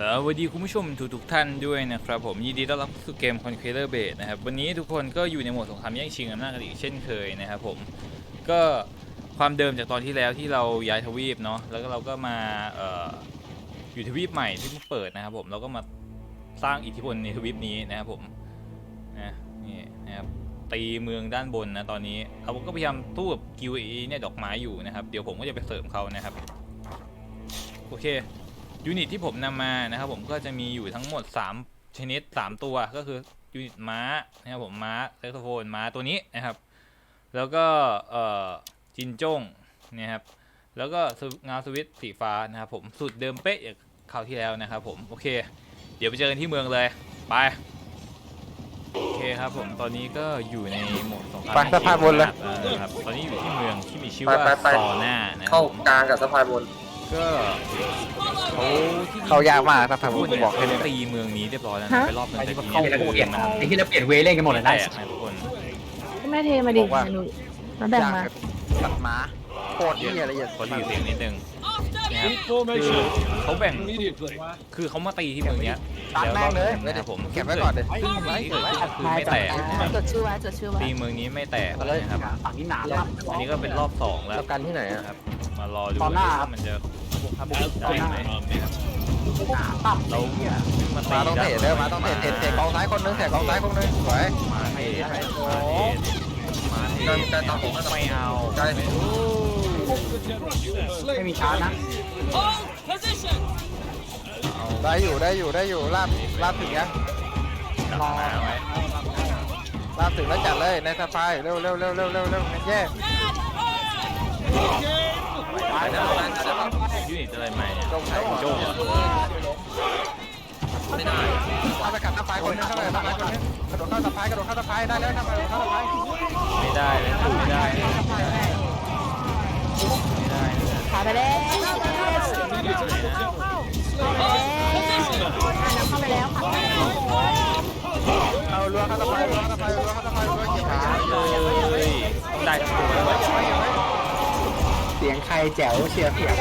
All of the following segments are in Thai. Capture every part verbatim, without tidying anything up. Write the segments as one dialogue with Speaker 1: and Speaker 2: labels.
Speaker 1: สวัสดีคุณผู้ชมทุกทุกท่านด้วยนะครับผมยินดีต้อนรับสู่เกม Conqueror Base นะครับวันนี้ทุกคนก็อยู่ในโหมดสงครามแย่งชิงอำนาจกันอีกเช่นเคยนะครับผมก็ความเดิมจากตอนที่แล้วที่เราย้ายทวีปเนาะแล้วก็เราก็มาเอ่ออยู่ทวีปใหม่ที่เพิ่งเปิดนะครับผมเราก็มาสร้างอิทธิพลในทวีปนี้นะครับผมนะนี่นะครับตีเมืองด้านบนนะตอนนี้เราก็พยายามตู้กับกิวอีเนี่ยดอกไม้อยู่นะครับเดี๋ยวผมก็จะไปเสริมเขานะครับโอเคยูนิตที่ผมนำมานะครับผมก็จะมีอยู่ทั้งหมดสามชนิดสามตัวก็คือยูนิตม้านะครับผมม้าแซกโซโฟนม้าตัวนี้นะครับแล้วก็เอ่อจินจ้งนะครับแล้วก็เงาสวิตสีฟ้านะครับผมสูตรเดิมเป๊ะอย่างคราวที่แล้วนะครับผมโอเคเดี๋ยวไปเจอกันที่เมืองเลยไปโอเคครับผมตอนนี้ก็อยู่ในโหมดสงคราม
Speaker 2: ไปสะพานบนเลย
Speaker 1: ครับตอนนี้อยู่ที่เมืองที่มีชื่อว่าซอน่านะครั
Speaker 2: เข้า
Speaker 1: บ
Speaker 2: กลางกับสะพานบน
Speaker 1: ก็เขาที่
Speaker 2: เขายากมากสะพานบน
Speaker 1: เนี่ย
Speaker 2: บอกให้เลย
Speaker 1: ตีเมืองนี้เรียบร้อยแล้วนะไปรอบนึงแต่ทีนี้
Speaker 3: เข้าเปลี่ยนไอ้ที่เราเปลี่ยนเวย์เล่นกันหมดเลย
Speaker 1: แต
Speaker 3: นะ
Speaker 1: กนะทุกคน
Speaker 4: แม่เทมาดิ
Speaker 2: บอกว่า
Speaker 4: หนูมาแบ่งมา
Speaker 2: ตัดม้าโคตรที่อะไรอย่าง
Speaker 1: ขอรีเสียงนิดนึงนะครับคือเขาแบ่งคือเขามาตีที่เมืองเนี้ย
Speaker 2: ตัด
Speaker 1: แล้ว
Speaker 2: แม่
Speaker 1: รง อบ
Speaker 2: เลย
Speaker 1: นะครับผม
Speaker 2: เก็บไว้ก่อนเลย
Speaker 1: ซึ่งสิ่งที่เกิดขึ้นคือไม่แตกนะครับ
Speaker 4: จดชื่อไว้จดชื่อไว้
Speaker 1: ตีเมืองนี้ไม่แตกนะครับ
Speaker 3: ฝั่งนี้หนาแล้ว
Speaker 1: อันนี้ก็เป็นรอบสองแล้ว
Speaker 2: แล้วกันที่ไหนอะ
Speaker 1: นะครับมารอดู
Speaker 3: ตอนหน้า
Speaker 1: ว่ามันจะได้ไหมนะครับ
Speaker 3: ต่ำ
Speaker 1: เราขึ้นมาตี
Speaker 2: มาต้องเตะเด้อมาต้องเตะเตะเตะกองซ้ายคนนึงเตะกองซ้ายคนนึงสวย
Speaker 1: มาเทมาเทมาเทไม่เอา
Speaker 3: ไม่มีช้านะ
Speaker 2: ได้อยู่ได้อยู่ได้อยู่ลาบลาบถึงยัง
Speaker 1: รอไว้
Speaker 2: ลาบถึงแล้วจัดเลยในสะพายเร็วเร็วเร็วเร็วเร็วเร็วแย่
Speaker 1: ตายแล้วยูนิตอะไรใหม่เนี่ย
Speaker 2: จงใช้
Speaker 1: โจ้
Speaker 2: ไม่ได้เอาไปกัดสะพายคนนึงเข้าไปสะพายคนนึงกระโดดเข้าสะพายกระโดดเข้าสะพายได้แล้วทำไมเข้าสะพาย
Speaker 1: ไม่ได้เลยไม่ได้ไม่ได้
Speaker 4: ขาไปแล้วเข้าไปแล้วเข้าไปแล้วค่ะ
Speaker 2: เอาลัวเข้าสะพายลัวเข้าสะพายลัวเข้าสะพายลัวเกี่ยวขา
Speaker 1: เลยได้ทั้งตัวแล้ว
Speaker 3: เสียงใครแจ๋วเชียร์เสียง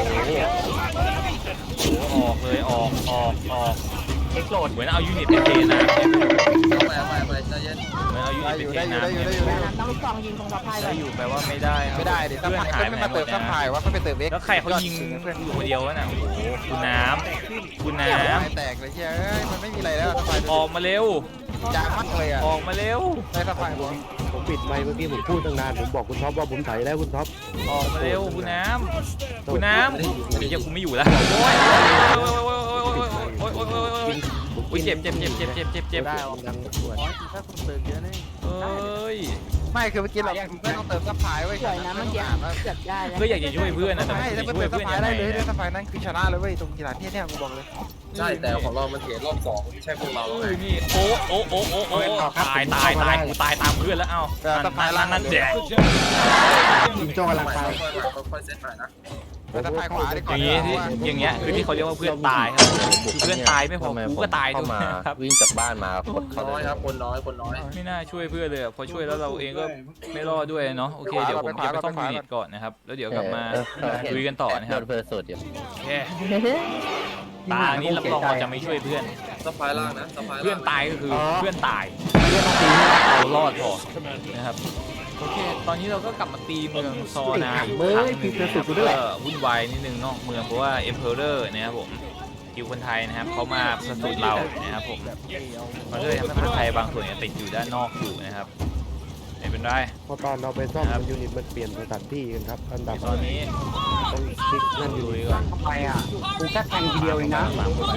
Speaker 1: โอ้ออกเลยออกออกออก
Speaker 3: เอ็กโหลด
Speaker 1: เหมือนเอายูนิตไปเทนะ
Speaker 2: ไปไปไปใจเย็น
Speaker 1: เหมือนเอายูนิตไปเท
Speaker 2: ได้อยู่
Speaker 1: นะ
Speaker 2: ได้อยู่ได้อยู่ได้อยู่
Speaker 4: ต้องลูกซองยิงตรงสะพายเล
Speaker 1: ได้
Speaker 4: ย
Speaker 1: อยู่แปลว่าไม่ได้
Speaker 2: ไม่ได้ดิสะ
Speaker 1: เพื่อน
Speaker 2: พาย
Speaker 1: หาย
Speaker 2: ไม่
Speaker 1: ไป
Speaker 2: มา
Speaker 1: หม
Speaker 2: เติ
Speaker 1: ด
Speaker 2: ม
Speaker 1: นะ
Speaker 2: สะพายว่าเขาไปเติมเอ็ก
Speaker 1: แล้วใครเขายิงอยู่คนเดียววะน่ะโอ้โหคุณน้ำคุณน้
Speaker 2: แตกเลยเฮ้ยมันไม่มีอะไรแล้วสะพาย
Speaker 1: ำออกมาเร็ว
Speaker 2: จางมากเลยอ่ะ
Speaker 1: ออกมาเร็ว
Speaker 2: ในสะพายผม
Speaker 5: ผมปิดไมค์เมื่อกี้ผมพูดตั้งนานผมบอกคุณท็อปว่าผมใส่แล้วคุณท็อป
Speaker 1: ออกมาเร็วคุณน้ำคุณน้ำโอ้ยยังกูไม่อยู่แล้วโอ้ยโอ้ยโอ้ยโอ้ยโอ้ยโอ้ยโอ้ยโอ้ยโอ้ยโอ้ยเจ็บเจ็บเจ็บเจ็บเจ็บเจ็บเจ็บ
Speaker 5: ได้ออกดังส่วน
Speaker 2: ถ้าคุณเติมเยอะนี่
Speaker 1: เอ้ย
Speaker 2: ไม่คือเมื่อกี้เราไม่ต้องเติมสะพายไว้
Speaker 4: สวยนะเมื่อกี้เกือบได้แล้ว
Speaker 1: ก็อยากจะช่วยเพื่อนนะแต่
Speaker 2: ไม่
Speaker 1: ไม่
Speaker 2: ถ้า
Speaker 1: ช่วย
Speaker 2: เติม
Speaker 1: เพื่อน
Speaker 2: สะพา
Speaker 1: ยั
Speaker 2: ย
Speaker 1: งไง
Speaker 2: ได้เลยสะพายนั้นคือชนะเลยเว้ยตรงกีฬาที่เนี่ยกูบอกเลย
Speaker 6: ใช่แต่ของเรามันเสียรอบสองไม่ใช่พวกเรา
Speaker 1: เอ้ยนี่โอ้โอ้โอ้โอ้โอ้ตายตายตายกูตายตามเพื่อนแล้วเอ้านั่นนั่นเด็ก
Speaker 3: จิงโจ้กำลัง
Speaker 6: ค่
Speaker 3: ไป
Speaker 6: อยๆมาค่อยๆเซตใหม่นะ
Speaker 2: สะพายขวาดีก
Speaker 1: อ
Speaker 2: ว่า
Speaker 1: ย่างนี้ที่อย่างเงี้ยคือที่เขาเรียกว่าเพื่อนตายครับคือเพื่อนตายไม่พอกูก็ตายด้วยครับ
Speaker 5: วิ่งจากบ้านมาโคตร
Speaker 6: คนน้อยครับคนน้อยคนน้อย
Speaker 1: ไม่น่าช่วยเพื่อนเลยพอช่วยแล้วเราเองก็ไม่รอดด้วยเนาะโอเคเดี๋ยวผมจะไปซ่อมยูนิตก่อนนะครับแล้วเดี๋ยวกลับมาลุยกันต่อนะครับ
Speaker 5: เพอร์สุดอยู่
Speaker 1: โอเคตานี้รับรองเราจะไม่ช่วยเพื่อน
Speaker 6: สะพายล่างนะสะพายล่าง
Speaker 1: เพื่อนตายก็คือเพื่อนตายเรารอดพอนะครับโอเคตอนนี้เราก็กลับมาตีเมืองซอนาอีกครั้งหนึงนะครับก็วุ่นวายนิดนึงนอกเมืองเพราะว่า Emperor นะครับผมคิวคนไทยนะครับเขามาสะสุดเรานะครับผมมันก็เลยทำให้คนไทยบางส่วนเนี่ยติดอยู่ด้านนอกอยู่นะครับไม่เป็นไร
Speaker 5: พอตอนเราไปซ่อมยูนิตมันเปลี่ยนสถานที่กันครับอันดับ
Speaker 1: ตอนนี้
Speaker 5: ต้องคลิกนั่นอยู่
Speaker 1: ลุยก่อน
Speaker 3: ทำไมอ่ะกูแค่แทงทีเดียวเองนะ
Speaker 1: มามา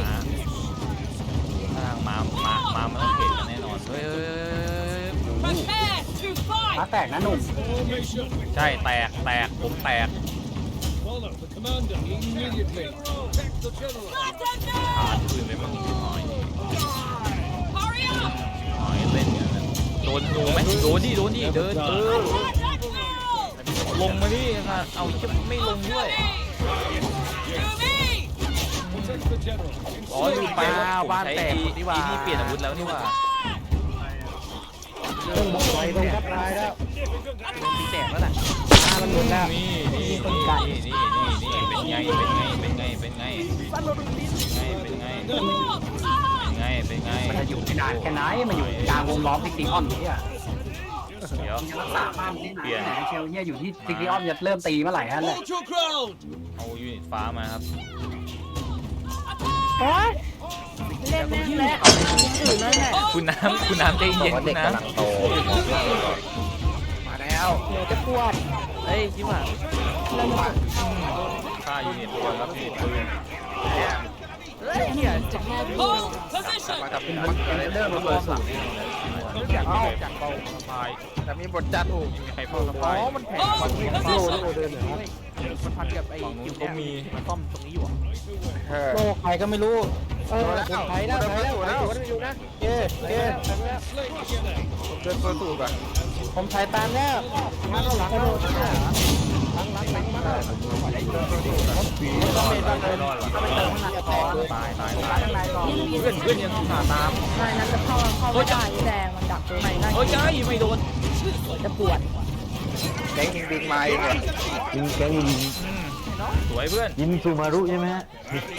Speaker 1: ทางมามามามันต้องเห็นกันแน่นอนเฮ้ยเฮ้ยโอ้โห
Speaker 3: มาแตกนะหนุ่ม
Speaker 1: ใช่แตกแตกผมแตกขาดคืนไปบ้างหน่อยหน่อยเล่นกันนะโดนโดนไหมโดนดิโดนดิเดินเออลงมาดิค่ะเอาจะไม่ลงด้วยอ๋อลืมไปว่าบ้านแตกนี่ว่านี่เปลี่ยนอาวุธแล้วนี่ว่า
Speaker 5: ต้องบอกไว้ต้องทับลายแล้ว
Speaker 1: ตีแตกแล้วน่ะ
Speaker 5: มันหมดแล้ว
Speaker 1: นี่นี่นี่นี่นี่นี่เป็นไงเป็นไงเป็นไงเป็นไงเป็นไงเป็นไงเป็นไงเป็นไง
Speaker 3: มันจะอยู่ที่นานแค่ไหนมันอยู่กลางวงล้อมซิกตี้ออนเนี่ย
Speaker 1: เดี๋ยว
Speaker 3: รักษาบ้านที่ไหนเชลเนี่ยอยู่ที่ซิกตี้ออนจะเริ่มตีเมื่อไหร่ฮะแหละ
Speaker 1: เอายูนิตฟ้ามาครับ
Speaker 4: โอ๊ยเล่นแม่งแล้วอื่นนั่นแหละ
Speaker 1: คุณน้ำคุณน้ำใจเย็นคุณน้ำ
Speaker 2: มาแล้ว
Speaker 4: เดี๋ยวจะปวด
Speaker 2: เฮ้ยคิดว่า
Speaker 1: ฆ่ายูนิตตัวครับยูนิตปืน
Speaker 2: เฮ้ยเฮียจะมากับเป็นเริ่มมาเปิดสูตรจากเอ้าจากเบา
Speaker 1: ตาย
Speaker 2: แต่มีบทจัดถูก
Speaker 1: ไม่มีใครเฝ้าส
Speaker 2: อ๋
Speaker 1: ปาย
Speaker 2: อมันแข็งมันมี
Speaker 5: โลโลเดินหน่อยครับ
Speaker 2: มันพันกับไอ้
Speaker 1: ฝั่งนู้นเขามี
Speaker 2: มันซ่อมตรงนี้อยู่เออ
Speaker 5: โลใครก็ไม่รู้เออ
Speaker 2: แล้ว
Speaker 5: ผมไถแล้วไถแล้วไถแล้วอยู่นะเอ๊ะเอ๊ะ
Speaker 2: เดินเปิดสูตรป่ะ
Speaker 5: ผมไถตามแล้วมาเข้าหลังกระโดดหลังหลังหลังมาต้องเมตันเลย
Speaker 1: รอดหรอ
Speaker 3: ก็ไปเติมข้างในก่อน
Speaker 1: ตายตาย
Speaker 3: ตา
Speaker 1: ตาย ย
Speaker 3: ข้างในก่อน
Speaker 1: เพื่อนเพื่อนยังขาตาม
Speaker 4: ไม่นั้นจะเข้าเข้าไม่ได้แดงมันดักตรงไหนนั่น
Speaker 1: เฮ้ยใจไม่โดน
Speaker 4: จะปวด
Speaker 2: แก๊งยิงบิงมาเองเนี่ย
Speaker 5: ยิงแกงยิง
Speaker 1: อืมสวยเพื่อน
Speaker 5: ยิงซูมารุใช่ไหมฮะ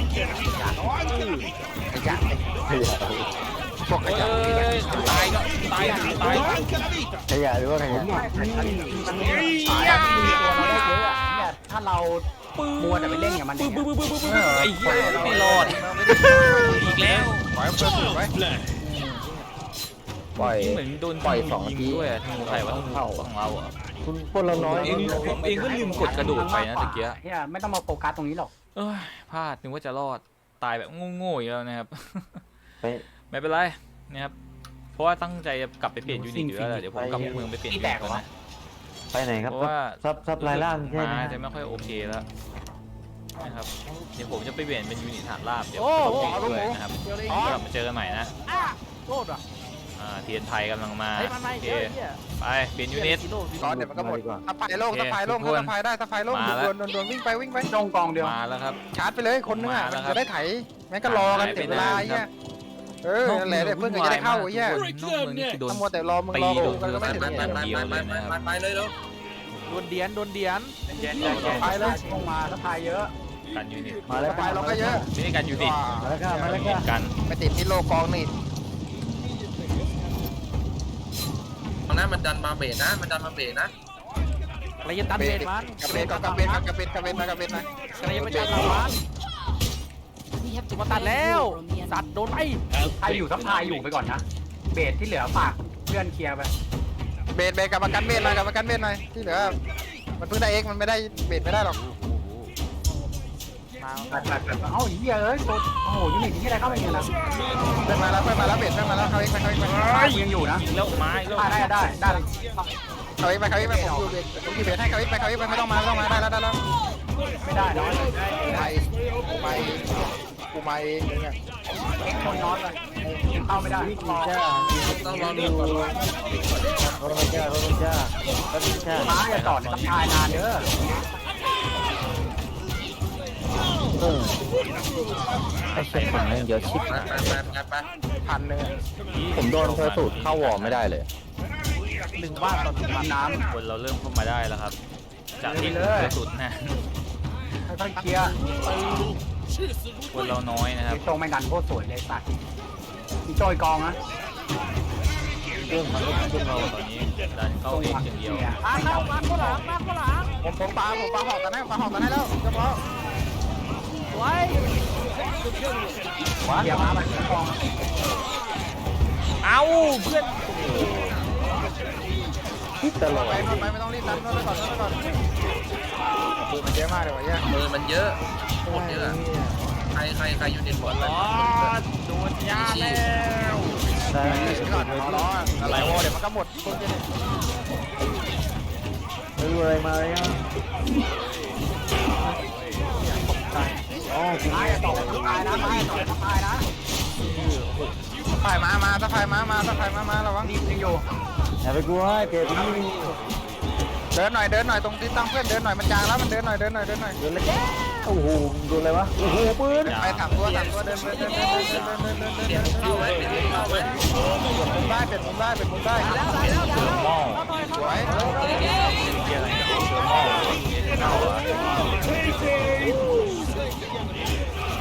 Speaker 2: ไอ้จัดพวกไอ้
Speaker 1: เอ้
Speaker 2: จัด
Speaker 1: ยตายก็ตายตาย
Speaker 5: ขยะหรือว่าขยะ
Speaker 3: มันมีสายที่มีตัวเราได้เยอะอะเนี่ยถ้าเรามัวแต่ไปเล่นกับมันอย่างเงี้ย
Speaker 1: ไอ้เหี้ยไม่รอดอีกแล้ว
Speaker 2: ปล่อยเปิดสูตรไว้
Speaker 5: ปล่อย
Speaker 1: เหมือนโดนยิงด้วยธนูใครวะธนูของเราอ่ะ
Speaker 5: คุณพวกเราน้อย
Speaker 1: เองเองก็ลืมกดกระโดดไปนะตะเกีย
Speaker 3: เฮียไม่ต้องมาโฟกัสตรงนี้หรอก
Speaker 1: เอ้ยพลาดนึกว่าจะรอดตายแบบโง่ๆอีกแล้วนะครับ
Speaker 5: ไป
Speaker 1: ไม่เป็นไรนะครับเพราะว่าตั้งใจจะกลับไปเปลี่ยนยูนิตอยู่แล้วแหละเดี๋ยวผมกลับเมืองไปเปลี่ยนยูนิตก่อนนะ
Speaker 5: ไปไหนครับ
Speaker 1: เพราะว่า
Speaker 5: ซับซับลายล่างใช่ไหม
Speaker 1: มาจะไม่ค่อยโอเคแล้วนะครับเดี๋ยวผมจะไปเปลี่ยนเป็นยูนิตฐานราบเดี๋ยว
Speaker 2: โอ้
Speaker 1: ผม
Speaker 2: โห
Speaker 1: จะ
Speaker 2: เอาลูก
Speaker 1: ด้วย
Speaker 2: หมู
Speaker 1: นะครับ
Speaker 2: เดี๋ยวเลย
Speaker 1: กลับมาเจอกันใหม่นะ
Speaker 2: โทษอ่ะ
Speaker 1: อ่าเทียนไทยกำลังมา
Speaker 2: เฮ้ยมันไม่
Speaker 1: โอเค
Speaker 2: เยอะเฮีย
Speaker 1: ไปเปลี่ยนยูนิต
Speaker 2: ก่อนเดี๋ยวมันก็หมดสะพายโล่งสะพายโล่งสะพายได้สะพายโล่งโดนโดนโดนวิ่งไปวิ่งไป
Speaker 3: ตรงกองเดียว
Speaker 1: มาแล้วครับ
Speaker 2: ชาร์จไปเลยคนนึงอ่ะมันจะได้ไถแม่งก็รอกันเสียเวลาไอ้เงี้ยเออนั่นแหละเดี๋ยวเพื่อนก็จะได้เข้าไอ้เงี้ย
Speaker 1: นอกเมืองนี่คือโดน
Speaker 2: ถ้ามัวแต่รอมึงรอกูกันก็ไม่ถึง
Speaker 6: ไปไปไปไปไปไปไปเลยแล้ว
Speaker 2: โดนเดียนโดนเดียน
Speaker 1: แย่ๆ
Speaker 2: ไปเลย
Speaker 3: ลงมาสะพายเยอะ
Speaker 1: กันยูนิต
Speaker 5: มาแล้ว
Speaker 2: ไปเราก็เยอะ
Speaker 1: ไม่ได้กันยูนิต
Speaker 5: มาแล้วค่ะมาแล้วค่ะ
Speaker 1: กัน
Speaker 2: ไปติดที่โลกองนี่
Speaker 6: ตอนนั้นมันดันมาเบรนะ มันดันมาเบรนะ
Speaker 2: อะไรจะตันเบนมันกระเบนกระเบนกระเบนกระเบนมากระเบนมาอะไรจะไปจัดเรามันมาตัดแล้วสัตว์โดนไป
Speaker 3: ใครอยู่สะพายอยู่ไปก่อนนะ เบสที่เหลือฝากเพื่อนเคลียร์ไป
Speaker 2: เบนเบนกับประกันเบนหน่อยกับประกันเบนหน่อยที่เหลือมันเพิ่งได้เอ็กมันไม่ได้เบนไม่ได้หรอก
Speaker 3: ตัดตัดตัดเอ้าเหี้ยเอ้ยโอ้โหยูนิตที่อะไรเข้าไปเนี่ยนะ
Speaker 2: เพิ่งมาแล้วเพิ่งมาแล้วเบนเพิ่งมาแล้วเขาเอ็กไปเขาเอ็กไป
Speaker 3: ยังอยู่นะ
Speaker 1: แล้วไม้แล้ว
Speaker 3: ได้ได้ได้ได้
Speaker 2: เขาเอ็กไปเขาเอ็กไปผมอยู่เบนผมอยู่เบนให้เขาเอ็กไปเขาเอ็กไปไม่ต้องมาไม่ต้องมาได้แล้วได้แล้ว
Speaker 3: ไม่ได้น้อย
Speaker 2: ไปกูไปกูมาเองเนี่ย
Speaker 3: เอ็กคนน้อยเลยเข้าไม่ได้รอ
Speaker 5: จ้า
Speaker 6: ต้องรอดู
Speaker 5: รถมาจ้ารถมาจ้ารถมาจ้า
Speaker 3: ม้าอย่าจอดในสะพายนานเด้อ
Speaker 5: เออไอ้เชี่ยคนแม่งเยอะชิบ
Speaker 6: ไปไปไปไป
Speaker 2: พันเลย
Speaker 5: ผมโดนเพอร์สูตรเข้าวอร์ไม่ได้เลย
Speaker 2: หนึ่งบ้านต่อหนึ่งบ้านน้
Speaker 1: คนเราเริ่มเข้ามาได้แล้วครับ จากที่เคยสุดนะ
Speaker 3: ค่อยๆเคลียร์
Speaker 1: คนเราน้อยนะครับ
Speaker 3: โจไม่ดันโคตรสวยเลยสัตว์มีโจยกองนะ
Speaker 1: เรื่องมันก็ขึ้นเราตอนนี้ดันเข้าเองอย่างเดียว
Speaker 2: ำมาเข้ามาข้างหลังมาข้างหลังผมผมปาผมปาหอกกันให้ปาหอกกันให้แล้วเฉพาะไว้
Speaker 3: เคลียร์ม้ามันกอง
Speaker 1: เอ้าเพื่อน
Speaker 5: ตลอด
Speaker 2: ไปนอนไปไม่ต้องรีบดันนอนไปก่อนนอนไปก่อนปืนมันเยอะมากเลยวะเนี่ย
Speaker 6: มือมันเยอะโคตรเยอะ ใครใครใครยูนิตหมดเลย
Speaker 1: โดนยาแล้ว
Speaker 5: ได้
Speaker 2: ก่อนขอร้องอะไรโว้เดี๋ยวมันก็หมดคนจะ
Speaker 5: ไม่รู้อะไรมาเลยอ่ะอ๋อจริง
Speaker 3: ม้าอย่าตกสะพายนะม้าอย่าตกสะพายนะ
Speaker 2: สะพายมามาสะพายมามาสะพายมามาระวัง
Speaker 3: รีบยังอยู่
Speaker 5: อย่าไปกลัวเจ็บนี่
Speaker 2: เดินหน่อยเดินหน่อยตรงที่ตั้งเพื่อนเดินหน่อยมันจางแล้วมันเดินหน่อยเดินหน่อยเดินหน่อย
Speaker 5: โดนแล้วโอ้โหโดนอะไรวะโอ้โหปืน
Speaker 2: ไปถามตัวถามตัวเดินเดินเดินเดินเดินเดินเดินเดินเดิน
Speaker 6: เปลี่ยนเข้าไว้เปลี่ยนเข้าไว้
Speaker 2: มุมได้เปลี่ยนมุมได้เปลี่ยนมุมได้
Speaker 1: หม้อ
Speaker 2: สวย
Speaker 1: เกี่ยอะไรกับเสือหม้อ
Speaker 2: ต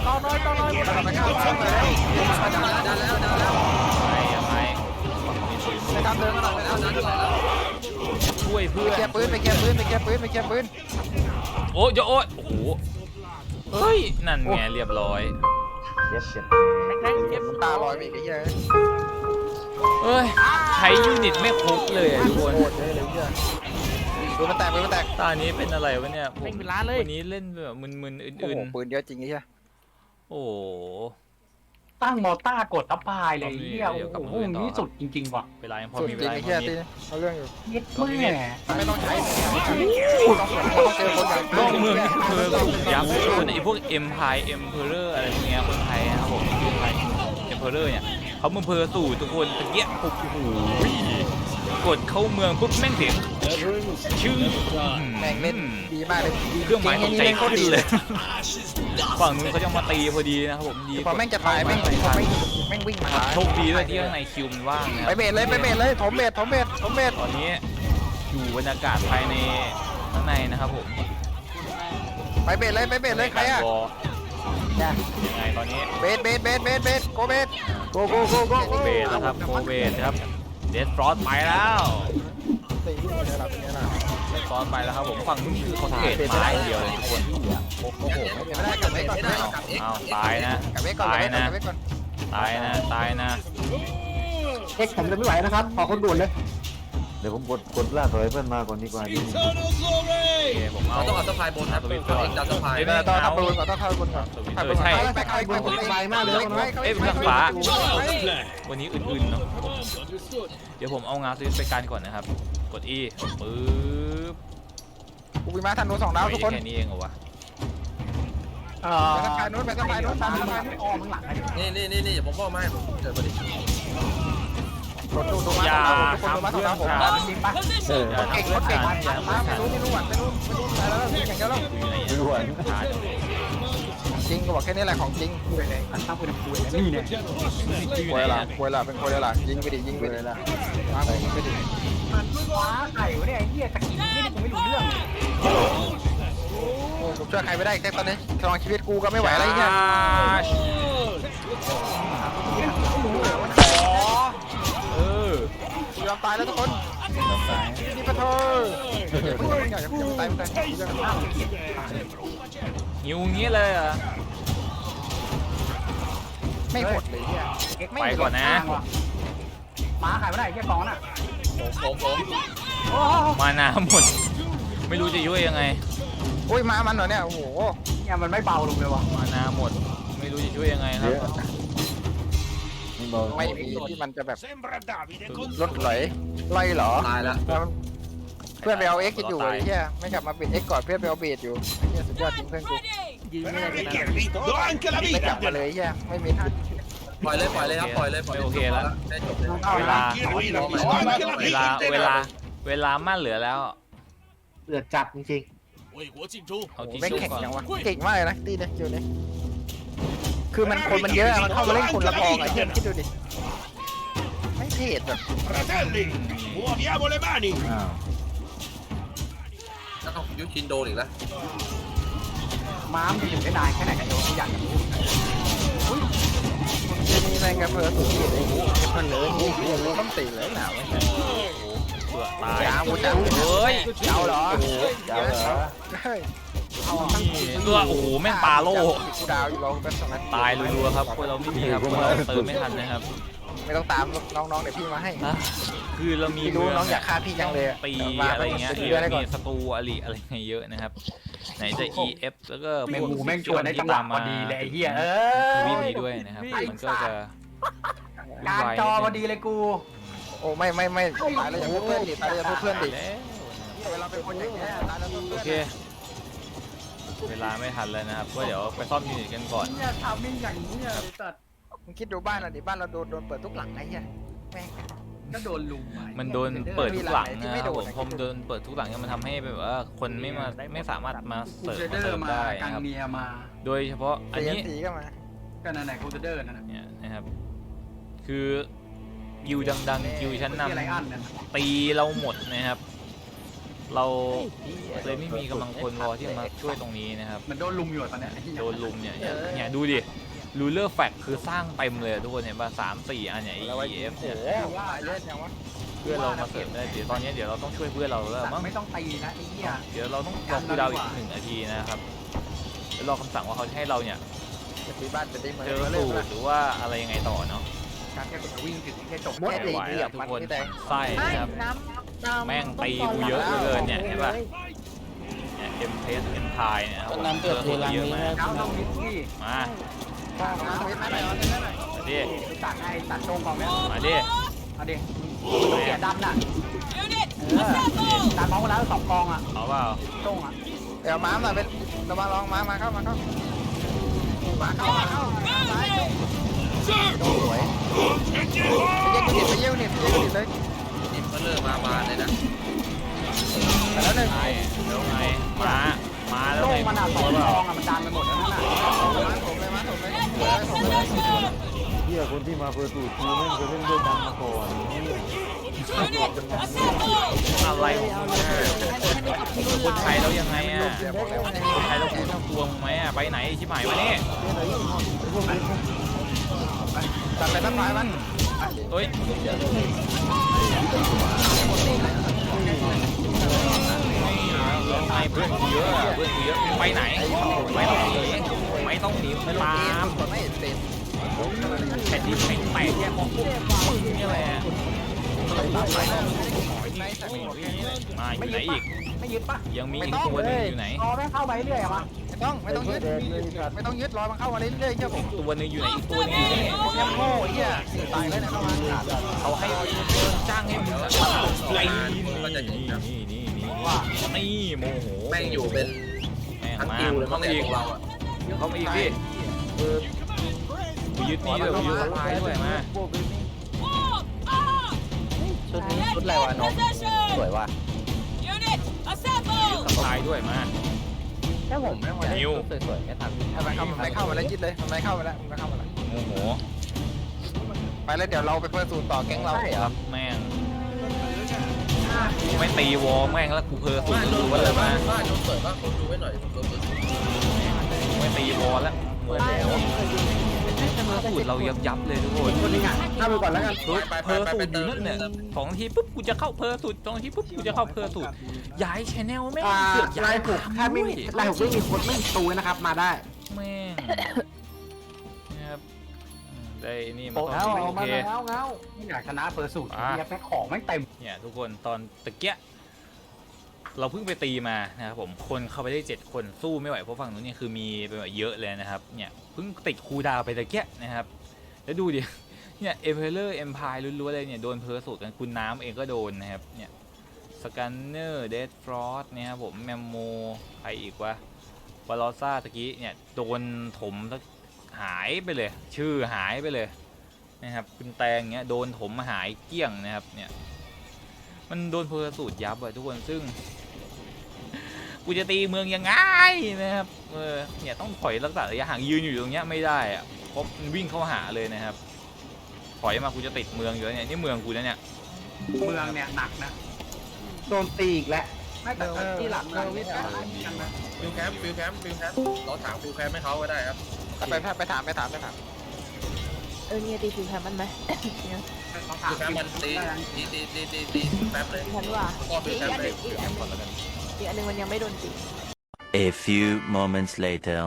Speaker 2: ต่อน้อยต่อน้อย
Speaker 6: ดันแล้วดันแล้วดันแล้ว
Speaker 1: ไปยังไง
Speaker 3: ไปทำเดินมาหน่อย
Speaker 6: ดันแล้ว
Speaker 1: ช่วยเพื่
Speaker 3: ไป
Speaker 1: อน
Speaker 3: แก้ปืนไปแก้ปืนไปแก้ปืนไปแก้ปืน
Speaker 1: โอ้ยโอ้ยโอ้โหเฮ้ยนั่นไงเรียบร้อย
Speaker 5: เจ็บเจ็บ
Speaker 2: แม่งเก็บ
Speaker 3: ตาลอยไปอีกไอ้เหี้ย
Speaker 1: เอ้ยใช้ยูนิตไม่ครบเลยอะทุกคน
Speaker 3: โคตรเลยเลยเหี้ยปืนมันแตกปืนมันแตก
Speaker 1: ตอนนี้เป็นอะไรวะเนี่ยผม
Speaker 2: แม่งเป็นล้านเลย
Speaker 1: วันนี้เล่นแบบมึนๆ
Speaker 3: โอ้
Speaker 1: อื่
Speaker 3: โห
Speaker 1: น
Speaker 3: ปืนเยอะจริงไอ้เหี้ย
Speaker 1: ๆโอ้โห
Speaker 4: ตั้งมอต้ากดทับพายเลยเฮียโอ้โหนี่สุดจริงๆว่ะ
Speaker 1: เวลายังพอ
Speaker 3: สุด
Speaker 1: มี
Speaker 3: จ
Speaker 1: เว
Speaker 3: ริง
Speaker 1: ลา
Speaker 3: ไอ้
Speaker 1: ยังพ
Speaker 3: เหี้ย
Speaker 1: อมี
Speaker 3: ตีเอาเรื่องอยู่
Speaker 4: เย็ดแม่
Speaker 3: ไม่ต้องใช้ต้องเจอคนอย่าง
Speaker 1: นอกเมืองนี่เธอก็ยับคนไอ้พวกเอ็มพายเอ็มเพอเรอร์อะไรพวกเนี้ยคนไทยนะครับผมคนไทยเอ็มเพอเรอร์เนี่ยเขาเมืองเพอสู่ทุกคนตะเกียบปุ๊บโอ้โหกดเข้าเมืองปุ๊บแม่งเสียงชื่อ
Speaker 3: แม่งเล่นดีมากเลย
Speaker 1: เครื่องหมายตกใจขึ้นเลยฝั่งนู้นเขาจะมาตีพอดีนะครับผมดี
Speaker 3: พอแม่งจะตายแม่งแม่งแม่งวิ่งมา
Speaker 1: โชคดีด้วยที่ข้างในคิวมันว่างนะค
Speaker 3: ไป
Speaker 1: รับ
Speaker 3: เบสเลยไปเบสเลยถมเบสถมเบสถมเบส
Speaker 1: ตอนนี้อยู่บรรยากาศภายในข้างในนะครับผม
Speaker 3: ไปเบสเลยไปเบสเลยใครอะ
Speaker 1: วอลยังไงตอนนี้
Speaker 3: เบสเบสเบสเบสเบสโกเบส
Speaker 5: โกโกโกโก
Speaker 1: โคเบสนะครับโคเบสครับเดสฟรอสไปแล้วเดสฟรอสไปแล้วครับผมฝั่งนู้นคือคอนเทนต์ไม้อย่างเดียวเลยทุกคน
Speaker 3: โอ้โหไม่ได้กลับเบสก่อน
Speaker 6: ไม่ได้กลับเอ็ก
Speaker 1: อ้าวตายนะ
Speaker 3: กลับเบสก่อน
Speaker 1: ตายนะ
Speaker 3: กลับเบสก่อน
Speaker 1: ตายนะตายนะ
Speaker 4: เอ็กผมจะไม่ไหวนะครับขอคนด่วนเลย
Speaker 5: เดี๋ยวผมกดกดล่าถอยเพื่อนมาก่อนดีกว่าดิ
Speaker 1: โอเคผมเอา
Speaker 6: เราต้องเอาสะพายบนนะตัวเองจะสะพาย
Speaker 3: ต้องต้องทำปืนก่อนต้องเข้าปืนก่อน
Speaker 1: เออใช่
Speaker 3: ไปเข้าปืนก่อนไปมากเลย
Speaker 1: เอ้ยเป็นฟ้าวันนี้อื่นๆเนาะเดี๋ยวผมเอางาสวิตช์ไปการก่อนนะครับกด E ปึ๊บ
Speaker 3: กูมีมาทันโนสองดาวทุกคน
Speaker 1: แค่นี้เองเหรอวะ
Speaker 4: เอ่อ
Speaker 3: ไปสะพายนู้นไปสะพายนู้นตามสะพาย
Speaker 4: ไม่ออมข้างหลังนะ
Speaker 6: นี่นี่นี่นี่ผมบอกมาให้ผมเกิดพอดี
Speaker 3: กดดูดูมา
Speaker 1: อย่า
Speaker 3: ทุกคนดูมาสอง
Speaker 1: ทำ
Speaker 3: ดาวผม
Speaker 1: เพื่อนฉัน
Speaker 4: จริงปะ
Speaker 5: เออ
Speaker 1: อย่า
Speaker 3: เก่ง
Speaker 1: ทำ
Speaker 3: ค
Speaker 1: เพื่อน น
Speaker 3: เก่ง
Speaker 1: ฉันอย่าทำเพื่อน
Speaker 3: ไม่
Speaker 1: ฉัน
Speaker 3: รู้ไม่รู้อ่ะไม่รู้ไม่รู้อะไรแล้วอย่างเดียวแล้ว
Speaker 1: อยู่ไหน
Speaker 5: ไม่รู้อ่ะ
Speaker 1: ช้าจังเลย
Speaker 3: จริงก็บอกแค่นี้แหละของจริง
Speaker 4: คุยเลยตั้งปืนคุยเลยนี่เนี่ย
Speaker 3: ควยละควยละเป็นควยละยิงไปดิยิงไปดิมาไปยิงไปดิ
Speaker 4: มันว้าไข่วะเนี่ยไอ้เหี้ยตะกี้นี่ผมไม่รู้เรื่อง
Speaker 3: โอ้ผมช่วยใครไม่ได้แค่ตอนนี้กำลังชีวิตกูก็ไม่ไหวแล้วไอ้เนี่ย
Speaker 1: เออ
Speaker 3: กูยอมตายแล้วทุกคนนี่ปะเธออย่าเพิ่งอย่าเพิ่งตายไม่ตาย
Speaker 1: หิวงี้เลยเหรอ
Speaker 3: ไม่หมดเลยเนี่ย
Speaker 1: ไปก่อนนะ
Speaker 4: หมาไข่ไม่ได้แค่กองน่ะ
Speaker 6: ผมผม
Speaker 4: โอ้
Speaker 1: มานาหมด ไม่รู้จะยุ่ยยังไง
Speaker 3: โอ้ยมามันเหรอเนี่ยโอ้โห
Speaker 4: เนี่ยมันไม่เบาลงเลยว่ะ
Speaker 1: มานาหมด ไม่รู้จะช่วยยังไงค
Speaker 5: เย
Speaker 1: รับ
Speaker 5: อะไม่บอก
Speaker 3: ไม่มีที่มันจะแบบรถไหลไล่เหรอ
Speaker 6: ตายแล้ว
Speaker 3: เพื่อนไปเอาเอ็กซ์อยู่ไอ้เหี้ยไม่กลับมาเป็นเอ็กซ์ก่อนเพื่อนไปเอาเบสอยู่ไอ้เหี้ยสุดยอดจริงเพื่อนกู
Speaker 2: ยิงไม่ได้เลยนะ
Speaker 3: ไม่กลับมาเลยไอ้เหี้ยไม่มีท่า
Speaker 6: ปล่อยเลยปล่อยเลยครับปล่อยเลยปล่อยได้จบเลย
Speaker 1: เวลา เวลา เวลา เวลามั่นเหลือแล้ว
Speaker 4: เดือดจัดจริง
Speaker 1: เอา
Speaker 3: โอ้โห
Speaker 1: ทิช
Speaker 3: แม่ง
Speaker 1: ชู่
Speaker 3: แข่ง
Speaker 1: ก่อน
Speaker 3: จังวะเก่งมากเลยนะตีเนี่ยคิวนี้คือมันคนมันเยอะมันเข้ามาเล่นคนละกองไอ้เหี้ยคิดดูดิไม่เทศแบบ
Speaker 7: Fratelli, muoviamo le mani!
Speaker 5: อ้าว
Speaker 6: แล้วยุชินโดนอีกแล้ว
Speaker 4: ๆม้ามจะอยู่ได้นานแค่ไหนกันโยมอยากจะรู้
Speaker 3: จะมีแรงกระเพื่อมสุดที่เลยเพื่อนเลยนี่ต้องตีเลยหนาว
Speaker 1: เผื่อตาย
Speaker 3: จ้าวูจ้า
Speaker 1: เฮ้ย
Speaker 3: เจ้าเหรอ
Speaker 5: เจ้าเหรอ
Speaker 3: เฮ้ย
Speaker 1: ตัวโอ้โห แม่งปลาโล่
Speaker 3: กูดาวอยู่เราเป็นสองนัด
Speaker 1: ตายรัวๆครับพวกเราไม่มีครับพวกเราเติมไม่ทันนะครับ
Speaker 3: ไม่ต้องตามน้องๆเดี๋ยวพี่มาให้
Speaker 1: อ่ะคือเรามี
Speaker 3: พี่รู้น้องอยากฆ่าพี่จังเลย
Speaker 1: ตีอะไรเงี้ย
Speaker 3: ตี
Speaker 1: เย
Speaker 3: อะไร
Speaker 1: อะ
Speaker 3: ก่อ
Speaker 1: มี
Speaker 3: น
Speaker 1: ศัตรูอริอะไรเงี้ยเยอะนะครับ ไหนจะ อี เอฟ แล้วก็
Speaker 4: แม่ง
Speaker 1: พวก
Speaker 4: งูแม่งชวนได้จังหวะพอดีเลยไอ้เหี้ยเอ
Speaker 1: ทวีป
Speaker 4: อ
Speaker 1: นี้ด้วยนะครับ มันก็จะ
Speaker 4: การจอพอดีเลยกู
Speaker 3: โอ้ไม่ไม่ไม่ตายแล้วอย่าพูดเพื่อนดิตายแล้วอย่าพูดเพื่อนดิ
Speaker 1: แล้ว
Speaker 3: เวลาเป็นคนอย่างนี้ยตายแล้วพูด
Speaker 1: โอ
Speaker 3: เพื่อน
Speaker 1: เค เวลาไม่ทันแล้วนะครับ ก็เดี๋ยวไปซ่อมยูนิตกันก่อน
Speaker 4: เนี่ยทำมิ่งอย่างนี้เนี่ยตัด
Speaker 3: มึงคิดดูบ้านเราดิบ้านเราโดนโดนเปิดทุกหลังไอ้เหี้ยแม่ง
Speaker 4: ก็โดนลุมไป
Speaker 1: มันโดนเปิดทุกหลัง
Speaker 3: ที่
Speaker 1: นะ
Speaker 3: ไม่
Speaker 1: ครับ
Speaker 3: โด
Speaker 1: ผ
Speaker 3: น
Speaker 1: ม
Speaker 3: นะ
Speaker 1: ผมโดนเปิดทุกหลังเนี่ยมันทำให้แบบว่าคนไม่มาไม่สามารถมา
Speaker 4: กู
Speaker 1: เสริม
Speaker 4: เซเด
Speaker 1: มา
Speaker 4: อ
Speaker 1: เติ
Speaker 4: ร์
Speaker 1: ม
Speaker 4: มา
Speaker 1: ได้
Speaker 4: กั
Speaker 1: นะ
Speaker 4: ง
Speaker 1: ครับ
Speaker 4: เมียมา
Speaker 1: โดยเฉพาะอัน
Speaker 3: เสีย
Speaker 1: นี้
Speaker 3: สีก็มา
Speaker 4: ก็นั่นแหละกูเซเดอร์นั่นน่ะ
Speaker 1: เนี่ยนะครับ คือยิวดังๆยิวชั้น
Speaker 4: ที่อะไรอัน
Speaker 1: นำ
Speaker 4: นั่น
Speaker 1: ตีเราหมดนะครับเราเลยไม่มีกำลังคนพอที่จะมาช่วยตรงนี้นะครับ
Speaker 4: มันโดนลุมอยู่ตอนเนี้ย
Speaker 1: โดนลุมเนี่ยเนี่ยเนี่ยดูดิรูเลอร์แฟกคือสร้างเต็มเลยทุกคนเห็นป่ะสามสี่อันเนี่ย
Speaker 3: แล้วไว้
Speaker 1: E F
Speaker 3: โอ้
Speaker 1: เนี่ย
Speaker 3: โหว่าเล่นยังวะ
Speaker 1: เพื่อนเรามาเสริมได้เดี๋ยวตอนนี้เดี๋ยวเราต้องช่วยเพื่อนเราแล้วมั้ง
Speaker 4: ไม่ต้องตีนะไอ้เหี้ย
Speaker 1: เดี๋ยวเราต้องรอคูลดาวน์อีกหนึ่งนาทีนะครับเดี๋ยวรอคำสั่งว่าเขาจะให้เราเนี่ย
Speaker 3: จะตีบ้านจะได้มา
Speaker 1: เจอสูตรหรือว่าอะไรยังไงต่อเนาะ
Speaker 4: การแค่กดวิ่งถึงแค่จบ
Speaker 1: ไม่ไหวแล้วทุกคนไส้นะครับแม่งตีกูเยอะเหลือเกินเนี่ยเห็นป่ะเนี่ยเอ็มเพสเอ็มพายเนี่ย
Speaker 5: น้ำเดือดเทลัง
Speaker 1: เยอะ
Speaker 5: นี้
Speaker 1: มาก
Speaker 4: เช้าต้องมิดที่
Speaker 1: มา
Speaker 3: มาเว้นมาหน่อยเอาเว้นมาหน่อย
Speaker 1: มาดิ
Speaker 4: ตัดไอ้ตัดโชงของเนี่ย
Speaker 1: มาดิ
Speaker 4: เอาดิเสียดันน่ะเออดันมองแล้วสองกองอ่ะ
Speaker 1: เอาเปล่า
Speaker 4: โชงอ่ะ
Speaker 3: เดี๋ยวม้ามาเป็นเรามาลองม้ามาเข้ามาเข้ามาเข้ามาเข้าซ้ายโดนสวยไปเยี่ยมเน็ตไปเยี่ยมเน็ตไปเยี่ยมเน็ตเลย
Speaker 6: ดิมก็เริ่มมาบานเลยนะ
Speaker 3: แต่แล้วหนึ่ง
Speaker 1: ไงแล้วไงมามาแล้ว
Speaker 4: โช
Speaker 1: ไง
Speaker 4: งมันอ่ะส
Speaker 1: ตั
Speaker 4: อ
Speaker 1: ว
Speaker 4: ง
Speaker 1: เป
Speaker 4: ก
Speaker 1: ล่า
Speaker 4: องอ่ะมันดันไปหมดแล้วนั่นน่ะ
Speaker 3: มาผมเลยมาผมเลยผมเลยผมเลย
Speaker 5: เฮียคนที่มาเปิดสูตรคือแม่งเคยเล่นด้วยกันมาก่อน
Speaker 1: อะไรของมึงเนี่ยคนไทยแล้วยังไงอ่ะคนไทยแล้วกูต้องกลัวมึงไหมอ่ะไปไหนชิบหายวะเนี่ย
Speaker 3: ตัดไปตั้งไม้มัน
Speaker 1: เอ้ยแล้วไงเพื่อนกูเยอะอะเพื่อนกูเยอะไปไหนไม่ต้องหนีไม่ต้องหนี
Speaker 3: ไม่ลง
Speaker 1: ตา
Speaker 3: เกม
Speaker 1: ม
Speaker 3: กดไม่เห็นเป็น
Speaker 1: แผ่นดินแผ่นแตกแยกของพวกมึงนี่แหละมาอยู่ไหนอีก
Speaker 4: ไม่ยึดปะ
Speaker 1: ยังมีอีกตัวหนึงอยู่ไหน
Speaker 4: รอแม่งเข้าไปเรื่อยอะมา
Speaker 3: ไม่ต้องไม่ต้องยึดไม่ต้องยึดรอมันเข้ามาเรื่อยๆเชื่อผม
Speaker 1: ตัวหนึงอยู่ไหนอีกตัวหนึงอยู่นี่
Speaker 3: พวกยังโง่ไอ้เหี้ยตายแล้วเนี่ยเข้ามา
Speaker 1: เขาให้จ้างให้มึงอะไอ้นี่นี่นี่นี่นี่ว่านี่โมโห
Speaker 6: แม่งอยู่เป็น
Speaker 1: แม่ง
Speaker 6: ทั้ง
Speaker 1: มา
Speaker 6: กิวเลย
Speaker 1: เขา
Speaker 6: มั้ง
Speaker 1: มา
Speaker 6: เนี่ย
Speaker 1: อีก
Speaker 6: ของเราอ่ะ
Speaker 1: เขามาอีกพี่กูยึดนี่ด้วยกูยึดสปายด้วยมา
Speaker 3: ชุดนี้ชุดอะไรวะน้องสวยว่ะ
Speaker 1: สปายด้วยมา
Speaker 4: แค่ผมไม่ไหว
Speaker 1: นิว
Speaker 3: สวยๆไม่ทันถ้ามันเข้ามันไม่เข้ามาแล้วยึดเลยมันไม่เข้ามาแล้วมันไม่เข้ามาแล้ว
Speaker 1: โมโห
Speaker 3: ไปแล้วเดี๋ยวเราไปเพิ่มสูตรต่อแก๊งเรา
Speaker 1: ครับแม่งกูไม่ตีวอลแม่งแล้วกูเพอสุด
Speaker 6: บ้านโดน
Speaker 1: รู้
Speaker 6: เปิ
Speaker 1: ว่า
Speaker 6: ด
Speaker 1: เลย
Speaker 6: บ้า
Speaker 1: มา
Speaker 6: นบ้านโดนเปิดบ้านคนดูไว้หน่อยโดนเปิด
Speaker 1: กูไม่ตีวอลแล้วโมโหสูตรเรายับยับเลยทุกคน
Speaker 4: คนนึงอ่ะเข้าไปก่อนแล้วกัน
Speaker 1: เพอสูตรอยู่นั่นเนี่ยสองนาทีปุ๊บกูจะเข้าเพอสูตรสองนาทีปุ๊บกูจะเข้าเพอสูตรย้ายชแนลแม่ง
Speaker 4: อ่า
Speaker 1: เสือกย้า
Speaker 4: ลาย ยผูกถ้าไม่มีลายผูกไม่มีคนไม่มีตูนะครับมาได้
Speaker 1: แม่งนะครับอืมได้นี่มา
Speaker 4: โอ้
Speaker 1: ตอน
Speaker 4: เอา
Speaker 1: นี้
Speaker 4: เอา
Speaker 1: โอ
Speaker 4: มา
Speaker 1: เค
Speaker 4: แล้วเงาไม่อยากชนะเปิดสูตรเนี่ยแม่ของไม่เต็ม
Speaker 1: เนี่ยทุกคนตอนตะเกียะเราเพิ่งไปตีมานะครับผมคนเข้าไปได้เจ็ดคนสู้ไม่ไหวเพราะฝั่งนู้นเนี่ยคือมีไปแบบเยอะเลยนะครับเนี่ยเพิ่งติดคูลดาวน์ไปตะเกียะนะครับแล้วดูดิเนี่ยเอมเพลเลอร์เอ็มพายล้วนๆเลยเนี่ยโดนเพอร์สูตรกันคุณน้ำเองก็โดนนะครับเนี่ยสกันเนอร์เดดฟรอสเนี่ยครับผมแมมโมใครอีกวะบาลอซ่าตะกี้เนี่ยโดนถมหายไปเลย ชื่อหายไปเลยนะครับคุณแตงเนี่ยโดนถมหายเกลี้ยงนะครับเนี่ยมันโดนเพอร์สูตรยับอะทุกคนซึ่ง กูจะตีเมืองยังไงนะครับเออเนี่ยต้องถอยรักษาระยะห่างยืนอยู่ตรงเนี้ยไม่ได้อะเพราะมันวิ่งเข้าหาเลยนะครับถอยมากูจะติดเมืองอยู่แล้วเนี่ยนี่เมืองกูนะเนี่ย
Speaker 4: เมืองเนี่ยหนักนะ
Speaker 5: โดนตีอีกแล้ว
Speaker 4: ไม่แต่ที่หลักเราวิทย์กันนะ
Speaker 6: ฟิวแคมป์ฟิวแคมป์ฟิวแคมป์เราถามฟิวแคมป์ให้เขาก็ได้ครับ
Speaker 3: ไปไปถามไปถามไปถาม
Speaker 8: เออเนี่ยตีผิวแทนมันไหม เนี่ย
Speaker 4: ต้องถาม
Speaker 6: ฟิวแคมป์มันตีตีตีตีตีตีแป๊บเลย
Speaker 8: ดิฉันว่า
Speaker 6: ก็ฟิ
Speaker 8: อี
Speaker 6: ว
Speaker 8: ก
Speaker 6: แคม
Speaker 8: อัน
Speaker 6: ป์
Speaker 8: ห
Speaker 6: เล
Speaker 8: นึ่
Speaker 6: ย
Speaker 8: งอีกอันหนึ่งอีกอันหนึ่งมันยังไม่โดนตี
Speaker 9: A few moments later.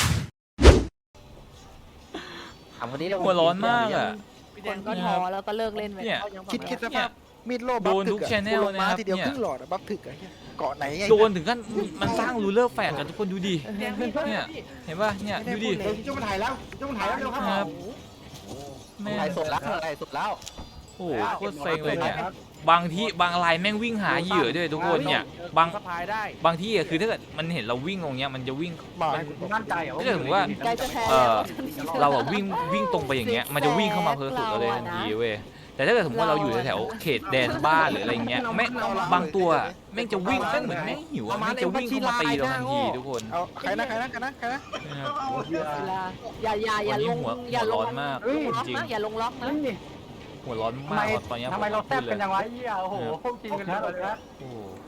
Speaker 3: ถามคนนี้
Speaker 1: หัวร้อนมากอ่ะ
Speaker 8: คนก็ท้อแล้วก็เลิกเล่นไป
Speaker 1: เนี่ย
Speaker 3: คิดคิดสภาพมีดโล่
Speaker 1: โดนทุก channel นะครับ
Speaker 3: ทีเดียว
Speaker 1: เนี่ย
Speaker 3: ครึ่งหลอดบัฟถึกอะเกาะไหนไง
Speaker 1: โดนถึงขั้นมันสร้างรูเลอร์แฝดกันทุกคนดูดิเนี่ยเห็นป่ะเนี่ยดูดิ
Speaker 4: เดี๋ยวจุ๊บมันถ่ายแล้วจุ๊บมันถ่ายแล้วเร็วครับ
Speaker 1: ครับแม่ง
Speaker 3: ถ่ายสดแล้วถ่ายสดแล้ว
Speaker 1: โอ้โหโคตรเซ็งเลยเนี่ยบางที่บางรายแม่งวิ่งหาเหยื่อด้วยทุกคนเนี่ยบาง
Speaker 2: สะพายได้
Speaker 1: บางที่อะคือถ้าเกิดมันเห็นเราวิ่งลงเนี้ยมันจะวิ่ง
Speaker 3: บอก
Speaker 1: มัน
Speaker 4: มั่นใจเหรอ
Speaker 1: ถ้าเกิดสมมติว่า
Speaker 8: ใกล้จะแพ้
Speaker 1: เอ
Speaker 8: แล้ว
Speaker 1: อเราอะวิ่งวิ่งตรงไปอย่างเงี้ยมันจะวิ่งเข้ามาเพอร์สุดเราเลยทันทีเว้ยแต่ถ้าเกิดสมมติว่าเราอยู่แถวๆเขตแดนบ้านหรืออะไรเงี้ยแม่งบางตัวแม่งจะวิ่งแม่งเหมือนแม่งหิวอะแม่งจะวิ่งเข้ามาตีเราทันทีทุกคน
Speaker 3: เอาใครนะใครนะใครนะใครนะ
Speaker 1: นะครับ
Speaker 8: เวลาอย่าอย่าอย่าลง
Speaker 1: วันนี้หัว
Speaker 8: อย่าล
Speaker 1: หัวร้อง นมาก
Speaker 8: ลงล็อก
Speaker 1: จริง
Speaker 8: นะอย่าลงล็อกนะ
Speaker 4: นี่
Speaker 1: หัวร้อน
Speaker 4: ทำ
Speaker 1: มา
Speaker 4: ไม
Speaker 1: กตอนเนี้ย
Speaker 4: ทำไมเราแซ่บ
Speaker 1: พูด
Speaker 4: เป็น
Speaker 1: เลย
Speaker 4: จังวะเหี้ยโอ้โหพวกจริงกันเลยนะ
Speaker 1: โอ้โห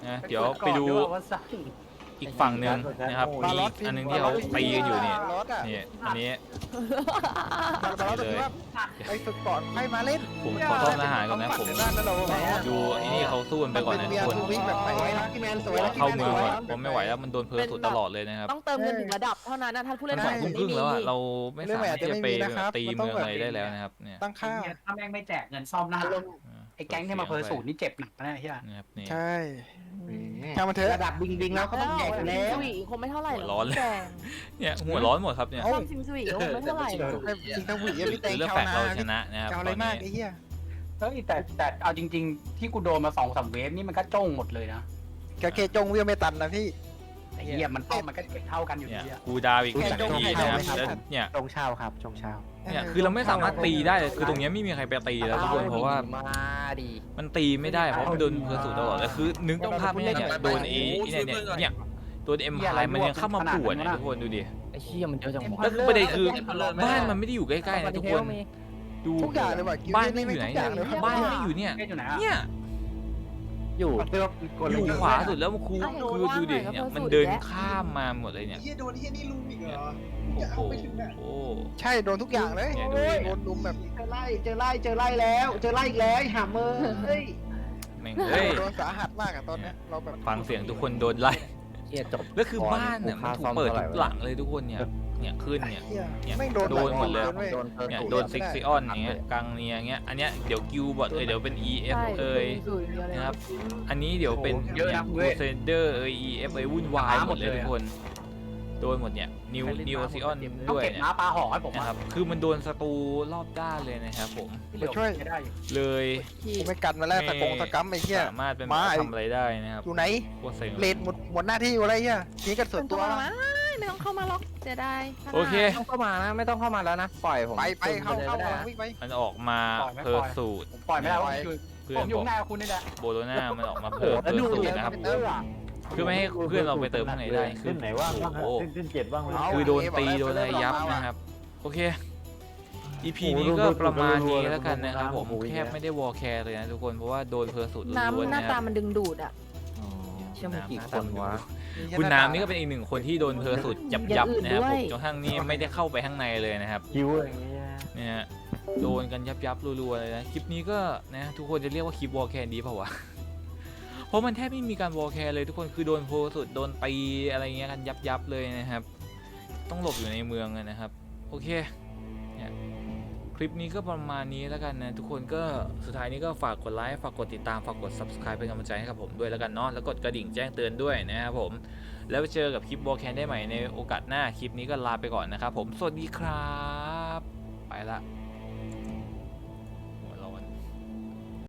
Speaker 1: นะเดี๋ยวไปดู
Speaker 4: ว่าสั้น
Speaker 1: อีกฝั่งหนึ่งนะครับมีอีกอันหนึงที่เขาตีกันอยู่เนี่ย
Speaker 3: รถอ่ะ
Speaker 1: นี่อันนี้
Speaker 3: บาร์บาร์ตว่าไปฝึกก่อนให้มาเล่น
Speaker 1: ผมขอโทษทหารก่อนนะผม
Speaker 3: ด้านนั้นเรา
Speaker 1: ดูไอ้นี่เขาสู้กันไปก่อนนะทุกคน
Speaker 3: วิ่งแบบไปไว้ลักกี้แมนสวยลักกี้
Speaker 1: เข้า
Speaker 3: แมน
Speaker 1: เมื
Speaker 3: ส
Speaker 1: อง
Speaker 3: วย
Speaker 1: ก่อนผมไม่ไหวแล้วมันโดนเพอร์สุดตลอดเลยนะครับ
Speaker 8: ต้องเติมเงินถึงระดับเท่านั้นนะถ้าผู้เล่น
Speaker 1: สองทุ่มครึ่งแล้วอะเราไม่สามารถที่จะไป
Speaker 3: เรื่องใหม่อาจจะไม่มีนะครับ
Speaker 1: ตี
Speaker 3: มันต้
Speaker 1: เมื
Speaker 3: อ
Speaker 1: อง ง
Speaker 3: แบบ
Speaker 1: อะไรได้แล้วนะครับเนี่ย
Speaker 3: ตั้งค่า
Speaker 4: ถ้าแม่งไม่แจกเงินซ่อมหน้าไอ้แก๊งที่มาเพอร์สูตรนี่เจ็บหนักนะไอ้เหี้ย
Speaker 1: นะครับนี่
Speaker 3: ใช่ช่างมันเถอะ
Speaker 5: ระดับบิงบิงแล้วเขาต้องแจกอยู่แล้ว
Speaker 8: สวีคงไม่เท่าไหร่หร
Speaker 1: ร้อนเลย
Speaker 8: แจง
Speaker 1: เนี่ยหัวร้อนหมดครับเนี่ย
Speaker 8: ซ่อมซิมสวีคงไม่เท่าไหร่หรอก
Speaker 3: ให้จริงทั้งหวีพี่เต
Speaker 1: คื
Speaker 3: ง
Speaker 1: อเลือก
Speaker 3: ชาว
Speaker 1: แฟก
Speaker 3: นา
Speaker 1: เราชนะนะครับ
Speaker 3: จะเอา
Speaker 1: ต
Speaker 3: อะไร
Speaker 1: อน
Speaker 3: มาก
Speaker 1: นี้
Speaker 3: ไอ้เหี้ย
Speaker 4: เฮ้ยแต่แต่เอาจริง ๆ ที่กูโดนมาสองสามเวฟนี่มันก็จ้องหมดเลยนะ
Speaker 3: กระเคจงเวียไม่ตันนะพี่
Speaker 4: ไอ้เหี้ยมันป้อมมันก็เก็บเท่ากันอยู่
Speaker 1: เนี่ย
Speaker 4: ดีอะ
Speaker 1: กูดาวอีก
Speaker 3: รู้
Speaker 1: ห
Speaker 3: จั
Speaker 1: นึ่
Speaker 3: ก
Speaker 1: งที
Speaker 3: จง
Speaker 1: นะครับ
Speaker 3: ไทยไหมครับ
Speaker 1: แล้วเนี่ย
Speaker 5: จงเช้าครับจงเช้า
Speaker 1: เนี่ยคือเราไม่สามารถตีได้เลยคือตรงเนี้ยไม่มีใครไปตีแล้วทุกคนเพราะว่า
Speaker 2: มาดี
Speaker 1: มันตีไม่ได้เพราะมันโดนเพอร์สูตตลอดเลยคือนึกภาพไม่ได้เนี่ยโดนเอเนี่ยเนี่ยเนี่ยโดนเอ็มพายมันยังเข้ามาปวดเนี่ยทุกคนดูดิ
Speaker 2: ไอ้เชี่ยมันเยอะจังวะ
Speaker 1: แล้วคือประเด็นคือบ้านมันไม่ได้อยู่ใกล้ๆนะทุกคนดู
Speaker 3: ทุกอย่างเลยว่ะ
Speaker 1: บ้านไม่อยู่ไหนเนี่ยบ้านไม่อยู่เนี่ย
Speaker 4: เล่นอยู่ไหนอะ
Speaker 1: เนี่ย
Speaker 2: อยู่
Speaker 1: อยู่ขวาสุดแล้วมันคูคือดูดิเนี่ยมันเดินข้ามมาหมดเลยเนี่ย
Speaker 7: เฮียโดนเฮียนี่ลุมอีกเหรอ
Speaker 1: โอ้
Speaker 7: จะ
Speaker 1: โห
Speaker 7: เอาไปถึงไหน
Speaker 1: โอ้
Speaker 3: ใช่โดนทุกอย่างเลย
Speaker 1: เนี่ยดูดิ
Speaker 3: โดนลุมแบบ
Speaker 5: เจอไล่เจอไล่เจอไล่แล้ว เจอไล่อีกแล้วหาเมอเฮ้ย
Speaker 1: แม่งเฮ้ย
Speaker 3: โดนสาหัสมากอะตอนเนี้ยเราแบบ
Speaker 1: ฟังเสียงทุกคนโดนไล่
Speaker 2: เชี่ยจบ
Speaker 1: แล้วคือบ้านเนี่ยมันถูกเปิดทุกหลังเลยทุกคนเนี่ยเนี่ยขึ้นเนี่ย
Speaker 3: เหี้ย
Speaker 1: เนี่ย
Speaker 3: ไม่โดน
Speaker 1: โดนหมดเลย
Speaker 3: ว้
Speaker 2: โดนเพอร์
Speaker 1: เนี่ย
Speaker 2: สูตร
Speaker 1: โดนซิกซิออนอย่างเงี้ยกังเนียอย่างเงี้ยอันเนี้ยเดี๋ยวกิวบอทเอ้ยเดี๋ยวเป็น อี เอฟ
Speaker 8: ใช่
Speaker 1: เอ้ย
Speaker 8: สวยเยอะเลย
Speaker 1: นะครับ อันนี้เดี๋ยวเป็นเนี่ยโคเซนเดอร์เอ้ย อี เอฟ เอ้ยวุ่นวายหมดเลยทุกคนโดนหมดเนี่ยนิวนิวซิออน
Speaker 4: ต้อง
Speaker 1: ด้วย
Speaker 4: เก็บ
Speaker 1: เนี่ย
Speaker 4: ม้าปลาห่อให้ผม
Speaker 1: นะ
Speaker 4: อะ
Speaker 1: ครับคือมันโดนศัตรูรอบด้านเลยนะครับผม
Speaker 4: ที่เหลือ
Speaker 3: ช่วย
Speaker 4: ไม่ได้อยู่
Speaker 1: เลย
Speaker 8: ที่
Speaker 3: กูไม่กันมาแล้วตะกงตะกัมไอ้เหี้ย
Speaker 1: สามารถเป็น
Speaker 3: มาไอ้
Speaker 1: ทำอะไรได้นะครับ
Speaker 3: อยู่ไหน
Speaker 1: โคตรเซ็ง
Speaker 3: เลนหมดหมดหน้าที่อยู่อะไรเหี้ยนี่กันส่วนตัว
Speaker 8: ไม่ต้องเข้ามาไม่ต้องเข้ามาหรอกเสียดาย
Speaker 1: โอเค
Speaker 2: ไม่ต้องเข้ามานะไม่ต้องเข้ามาแล้วนะปล่อยผม
Speaker 3: ไปไปเข้าเข้า
Speaker 2: ไปลยก็ได้
Speaker 3: วิ่งไป
Speaker 1: มันออกมาเพอร์สูตร
Speaker 4: ผมปล่อยไม่ได้ว่าคือ
Speaker 1: เพื่อ
Speaker 4: ผ
Speaker 1: น
Speaker 4: มอยู่
Speaker 1: บอก
Speaker 4: หน้าคุณนี่แหละ
Speaker 1: โบโลนามันออกมาเพอร์เพอร์สูตรนะครับเพื่อไม่ให้เพื่อนเราไปเติมข้างในได้คือ
Speaker 5: ขึ้นไหนว่างบ้าง
Speaker 1: โอ้โห
Speaker 5: ขึ้นขึ้นเจ็ดบ้างไหม
Speaker 1: คือโดนตีโดนอะไรยับนะครับ โอเค อี พี นี้ก็ประมาณนี้แล้วกันนะครับผมแทบไม่ได้วอลแคร์เลยนะทุกคนเพราะว่าโดนเพอร์สูตรล้วน
Speaker 8: น้ำ
Speaker 1: ๆ
Speaker 8: หน้า
Speaker 1: นะค
Speaker 8: ตา
Speaker 1: รับ
Speaker 8: มันดึงดูดอ่ะ
Speaker 2: เชื่อมันกี่คนวะ
Speaker 1: คุณน้ำนี่ก็เป็นอีกหนึ่งคนที่โดนเพอร์สูตรยับยับๆนะครับผมจนทั้งนี้ไม่ได้เข้าไปข้างในเลยนะครับ
Speaker 5: คิวอย่างเงี้ย
Speaker 1: เนี่ยฮะโดนกันยับยับๆรัวๆเลยนะคลิปนี้ก็นะทุกคนจะเรียกว่าคลิปวอลแคร์ดีเปล่าวะ เพราะมันแทบไม่มีการวอลแคร์เลยทุกคนคือโดนโพสุดโดนตีอะไรเงี้ยกันยับยับๆเลยนะครับ ต้องหลบอยู่ในเมืองเลยนะครับโอเคเนี่ยคลิปนี้ก็ประมาณนี้แล้วกันนะทุกคนก็สุดท้ายนี้ก็ฝากกดไลค์ฝากกดติดตามฝากกด ซับสไครบ์ เป็นกำลังใจให้กับผมด้วยแล้วกันเนาะแล้วกดกระดิ่งแจ้งเตือนด้วยนะครับผมแล้วไปเจอกับคลิปวอลแคนได้ใหม่ในโอกาสหน้าคลิปนี้ก็ลาไปก่อนนะครับผมสวัสดีครับไปละ